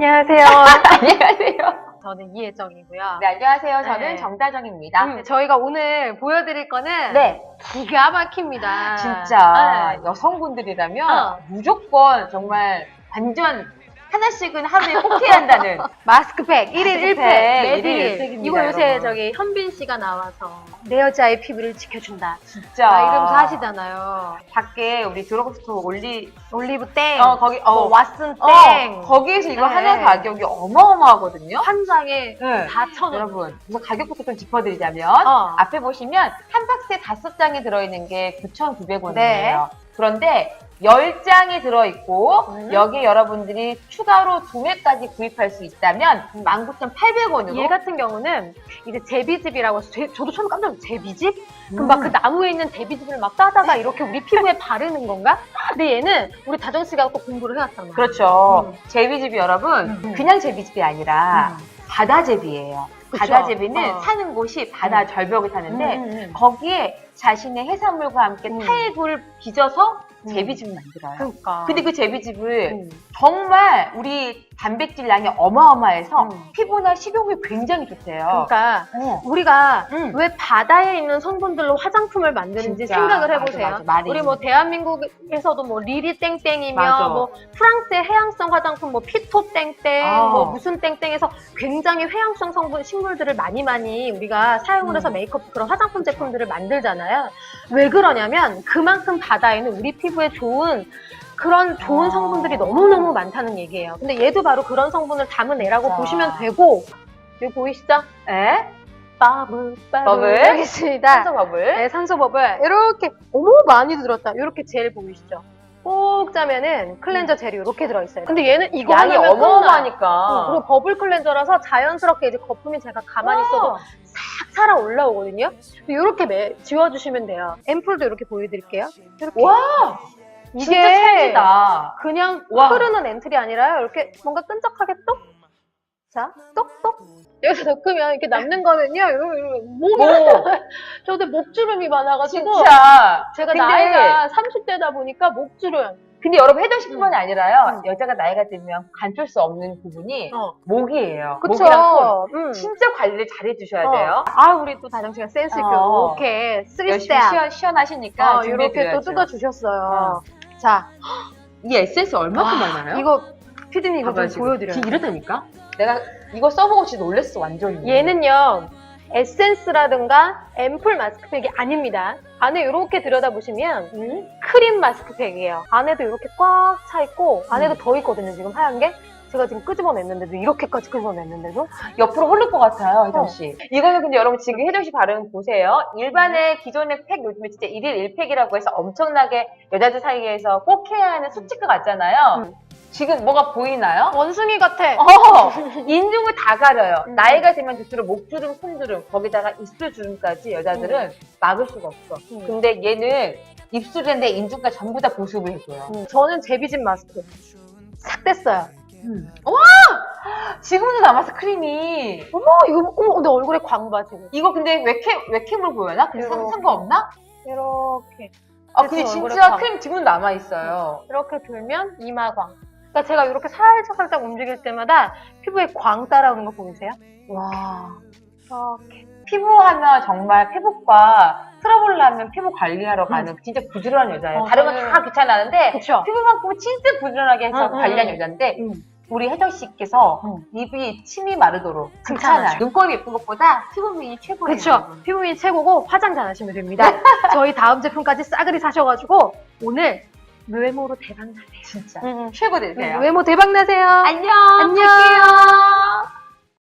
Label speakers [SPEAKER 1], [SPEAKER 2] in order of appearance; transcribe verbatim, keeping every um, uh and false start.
[SPEAKER 1] 안녕하세요.
[SPEAKER 2] 안녕하세요.
[SPEAKER 1] 저는 이혜정이고요.
[SPEAKER 2] 네, 안녕하세요. 저는
[SPEAKER 1] 네.
[SPEAKER 2] 정다정입니다.
[SPEAKER 1] 음, 저희가 오늘 보여드릴 거는
[SPEAKER 2] 네,
[SPEAKER 1] 기가 막힙니다.
[SPEAKER 2] 진짜
[SPEAKER 1] 네.
[SPEAKER 2] 여성분들이라면
[SPEAKER 1] 어.
[SPEAKER 2] 무조건 정말 완전 하나씩은 하루에 꼭 해야 한다는
[SPEAKER 1] 마스크팩 일 일 일 팩,
[SPEAKER 2] 마스크팩
[SPEAKER 1] 매일
[SPEAKER 2] 일 일 일 팩입니다,
[SPEAKER 1] 이거 요새
[SPEAKER 2] 여러분.
[SPEAKER 1] 저기 현빈 씨가 나와서 내 여자의 피부를 지켜준다.
[SPEAKER 2] 진짜
[SPEAKER 1] 막 이러면서 하시잖아요.
[SPEAKER 2] 밖에 우리 드러그스토어 올리
[SPEAKER 1] 올리브 땡,
[SPEAKER 2] 어 거기 어
[SPEAKER 1] 뭐 왓슨
[SPEAKER 2] 어,
[SPEAKER 1] 땡,
[SPEAKER 2] 거기에서 이거
[SPEAKER 1] 네.
[SPEAKER 2] 하나 가격이 어마어마하거든요.
[SPEAKER 1] 한 장에
[SPEAKER 2] 네.
[SPEAKER 1] 사천 원.
[SPEAKER 2] 여러분, 우선 가격부터 좀 짚어드리자면
[SPEAKER 1] 어.
[SPEAKER 2] 앞에 보시면 한 박스에 다섯 장이 들어있는 게 구천구백 원이에요.
[SPEAKER 1] 네.
[SPEAKER 2] 그런데 열 장이 들어있고
[SPEAKER 1] 음.
[SPEAKER 2] 여기 여러분들이 추가로 두 매까지 구입할 수 있다면 만 구천팔백 원으로
[SPEAKER 1] 얘 같은 경우는 이제 제비즙이라고 해서 제, 저도 처음 깜짝 놀랐어요. 제비즙?
[SPEAKER 2] 음.
[SPEAKER 1] 그럼 막 그 나무에 있는 제비즙을 막 따다가 이렇게 우리 피부에 바르는 건가? 근데 얘는 우리 다정 씨가 또 공부를 해왔잖아.
[SPEAKER 2] 그렇죠.
[SPEAKER 1] 음.
[SPEAKER 2] 제비즙이 여러분
[SPEAKER 1] 음.
[SPEAKER 2] 그냥 제비즙이 아니라
[SPEAKER 1] 음.
[SPEAKER 2] 바다제비예요.
[SPEAKER 1] 그쵸?
[SPEAKER 2] 바다제비는
[SPEAKER 1] 어.
[SPEAKER 2] 사는 곳이 바다
[SPEAKER 1] 음.
[SPEAKER 2] 절벽을 사는데
[SPEAKER 1] 음, 음, 음.
[SPEAKER 2] 거기에 자신의 해산물과 함께
[SPEAKER 1] 음.
[SPEAKER 2] 타액을 빚어서
[SPEAKER 1] 음.
[SPEAKER 2] 제비즙을 만들어요.
[SPEAKER 1] 그러니까.
[SPEAKER 2] 근데 그 제비즙을
[SPEAKER 1] 음.
[SPEAKER 2] 정말 우리 단백질 양이 어마어마해서
[SPEAKER 1] 음.
[SPEAKER 2] 피부나 식욕이 굉장히 좋대요.
[SPEAKER 1] 그러니까
[SPEAKER 2] 어.
[SPEAKER 1] 우리가
[SPEAKER 2] 음.
[SPEAKER 1] 왜 바다에 있는 성분들로 화장품을 만드는지
[SPEAKER 2] 진짜.
[SPEAKER 1] 생각을
[SPEAKER 2] 맞아,
[SPEAKER 1] 해보세요.
[SPEAKER 2] 맞아. 말이
[SPEAKER 1] 우리 뭐 대한민국에서도 뭐 리리 땡땡이며
[SPEAKER 2] 맞아.
[SPEAKER 1] 뭐 프랑스의 해양성 화장품 뭐 피토 땡땡
[SPEAKER 2] 아.
[SPEAKER 1] 뭐 무슨 땡땡에서 굉장히 해양성 성분 식물들을 많이 많이 우리가 사용을 해서
[SPEAKER 2] 음.
[SPEAKER 1] 메이크업 그런 화장품 제품들을 만들잖아요. 왜 그러냐면 그만큼 바다에는 우리 피부에 좋은 그런 좋은
[SPEAKER 2] 아.
[SPEAKER 1] 성분들이 너무너무 많다는 얘기예요. 근데 얘도 바로 그런 성분을 담은 애라고
[SPEAKER 2] 진짜.
[SPEAKER 1] 보시면 되고 여기 보이시죠?
[SPEAKER 2] 에?
[SPEAKER 1] 버블 버블
[SPEAKER 2] 버블?
[SPEAKER 1] 여기 있습니다.
[SPEAKER 2] 산소버블?
[SPEAKER 1] 네, 산소버블 이렇게 어머 많이 들었다. 이렇게 젤 보이시죠? 꼭 짜면은 클렌저 젤이 이렇게 들어있어요. 근데 얘는 이거
[SPEAKER 2] 양이
[SPEAKER 1] 하나면 끝나요.
[SPEAKER 2] 어마어마하니까.
[SPEAKER 1] 어, 그리고 버블 클렌저라서 자연스럽게 이제 거품이 제가 가만히 있어도 싹 살아 올라오거든요. 이렇게 매, 지워주시면 돼요. 앰플도 이렇게 보여드릴게요. 이렇게.
[SPEAKER 2] 와!
[SPEAKER 1] 이게
[SPEAKER 2] 진짜 찰지다.
[SPEAKER 1] 그냥
[SPEAKER 2] 와.
[SPEAKER 1] 흐르는 앰플이 아니라요. 이렇게 뭔가 끈적하게 똑. 자, 똑똑. 여기서 넣으면 이렇게 남는 거는요. 이러면, 이러면 목이
[SPEAKER 2] 오.
[SPEAKER 1] 저도 목주름이 많아가지고
[SPEAKER 2] 진짜.
[SPEAKER 1] 제가
[SPEAKER 2] 근데-
[SPEAKER 1] 나이가 삼십 대다 보니까 목주름.
[SPEAKER 2] 근데 여러분 혜정씨뿐만이
[SPEAKER 1] 음.
[SPEAKER 2] 아니라요.
[SPEAKER 1] 음.
[SPEAKER 2] 여자가 나이가 들면 간줄 수 없는 부분이
[SPEAKER 1] 어.
[SPEAKER 2] 목이에요.
[SPEAKER 1] 그쵸.
[SPEAKER 2] 목이랑 손.
[SPEAKER 1] 음.
[SPEAKER 2] 진짜 관리를 잘 해주셔야
[SPEAKER 1] 어.
[SPEAKER 2] 돼요.
[SPEAKER 1] 아, 우리 또 다정 씨가 센스 있게
[SPEAKER 2] 어.
[SPEAKER 1] 이렇게 쓰리
[SPEAKER 2] 열심히
[SPEAKER 1] 스텝.
[SPEAKER 2] 시원, 시원하시니까
[SPEAKER 1] 어, 이렇게 또
[SPEAKER 2] 준비해드려야죠.
[SPEAKER 1] 뜯어주셨어요. 자,
[SPEAKER 2] 이 에센스 얼마큼
[SPEAKER 1] 와,
[SPEAKER 2] 많아요?
[SPEAKER 1] 이거 피디님 이거
[SPEAKER 2] 봐봐요,
[SPEAKER 1] 좀
[SPEAKER 2] 지금.
[SPEAKER 1] 보여드려요.
[SPEAKER 2] 지금 이렇다니까? 내가 이거 써보고 진짜 놀랬어, 완전히.
[SPEAKER 1] 얘는요 에센스라든가 앰플 마스크팩이 아닙니다. 안에 이렇게 들여다보시면
[SPEAKER 2] 음?
[SPEAKER 1] 크림 마스크팩이에요. 안에도 이렇게 꽉 차 있고 안에도
[SPEAKER 2] 음.
[SPEAKER 1] 더 있거든요. 지금 하얀 게 제가 지금 끄집어냈는데도 이렇게까지 끄집어냈는데도
[SPEAKER 2] 옆으로 흐를 것 같아요, 혜정씨.
[SPEAKER 1] 어.
[SPEAKER 2] 이거는 근데 여러분 지금 혜정씨 발음 보세요. 일반의 기존의 팩 요즘에 진짜 일일 일 팩이라고 해서 엄청나게 여자들 사이에서 꼭 해야 하는 수치가 같잖아요.
[SPEAKER 1] 음.
[SPEAKER 2] 지금 뭐가 보이나요?
[SPEAKER 1] 원숭이 같아.
[SPEAKER 2] 어, 인중을 다 가려요.
[SPEAKER 1] 음.
[SPEAKER 2] 나이가 들면 들수록 목주름, 손주름, 거기다가 입술주름까지 여자들은 막을 수가 없어.
[SPEAKER 1] 음.
[SPEAKER 2] 근데 얘는 입술인데 인중까지 전부 다 보습을 해줘요.
[SPEAKER 1] 음, 저는 제비집 마스크 싹 뗐어요.
[SPEAKER 2] 와! 지금도 남았어, 크림이.
[SPEAKER 1] 어머 이거 어머 내 얼굴에 광봐 지금.
[SPEAKER 2] 이거 근데 웹캠, 웹캠으로 보여나? 근데 상-
[SPEAKER 1] 이렇게.
[SPEAKER 2] 상관없나?
[SPEAKER 1] 이렇게
[SPEAKER 2] 아, 근데
[SPEAKER 1] 그래서 얼굴에
[SPEAKER 2] 진짜
[SPEAKER 1] 광.
[SPEAKER 2] 크림 지금도 남아있어요.
[SPEAKER 1] 이렇게 돌면 이마광. 그러니까 제가 이렇게 살짝 살짝 움직일 때마다 피부에 광 따라오는 거 보이세요?
[SPEAKER 2] 와.
[SPEAKER 1] 이렇게.
[SPEAKER 2] 피부하면 정말 피부과 트러블 나면 피부 관리하러 가는 진짜 부지런한 여자예요.
[SPEAKER 1] 어,
[SPEAKER 2] 다른 건
[SPEAKER 1] 저는-
[SPEAKER 2] 다 귀찮아하는데
[SPEAKER 1] 그쵸?
[SPEAKER 2] 피부만큼은 진짜 부지런하게 해서
[SPEAKER 1] 응, 응,
[SPEAKER 2] 관리한
[SPEAKER 1] 응.
[SPEAKER 2] 여자인데
[SPEAKER 1] 음.
[SPEAKER 2] 우리 혜정 씨께서
[SPEAKER 1] 응.
[SPEAKER 2] 입이 침이 마르도록
[SPEAKER 1] 칭찬하죠.
[SPEAKER 2] 괜찮아요. 눈곱이 예쁜 것보다 피부 미인이 최고예요.
[SPEAKER 1] 그쵸? 피부미 최고고 화장 잘 하시면 됩니다. 저희 다음 제품까지 싸그리 사셔가지고 오늘 외모로 대박 나세요.
[SPEAKER 2] 진짜
[SPEAKER 1] 응, 응.
[SPEAKER 2] 최고 되세요.
[SPEAKER 1] 외모 대박 나세요.
[SPEAKER 2] 안녕.
[SPEAKER 1] 안녕.
[SPEAKER 2] 갈게요.